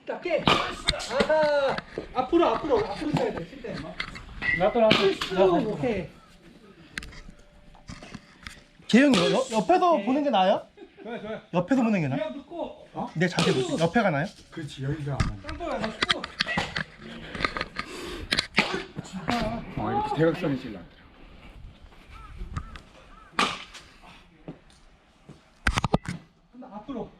작게. 아하. 앞으로 쳐야 돼. 칠 때. 나도 오케이. 재영이 옆에서 보는 게 나아요? 좋아요. 옆에서 보는 게 나아? 그냥 듣고. 내 자세 보세요. 옆에가 나아요? 그렇지 여기가 땅볼에 맞고. 이렇게 대각선이 질러. 앞으로.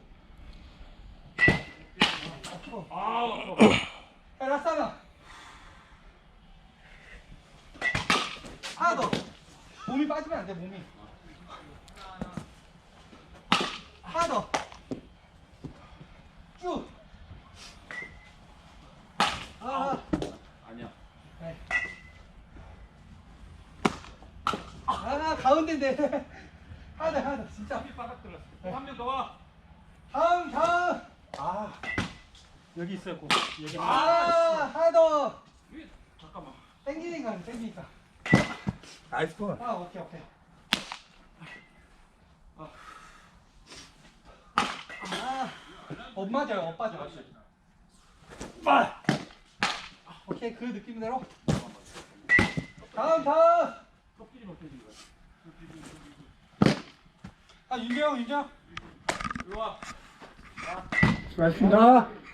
라싸나. 하나 더. 몸이 빠지면 안 돼, 몸이. 하나 더. 쭉. 아니야. 네. 가운데인데. 하나 더, 진짜. 바닥 들었어. 한 명 더 와. 다음. 여기 있었고. 여기. 하나 더. 잠깐만. 땡기니까. 나이스 볼. 오케이. 맞아요, 빠져. 오케이, 그 느낌대로. 다음. 윤경. 수고하셨습니다.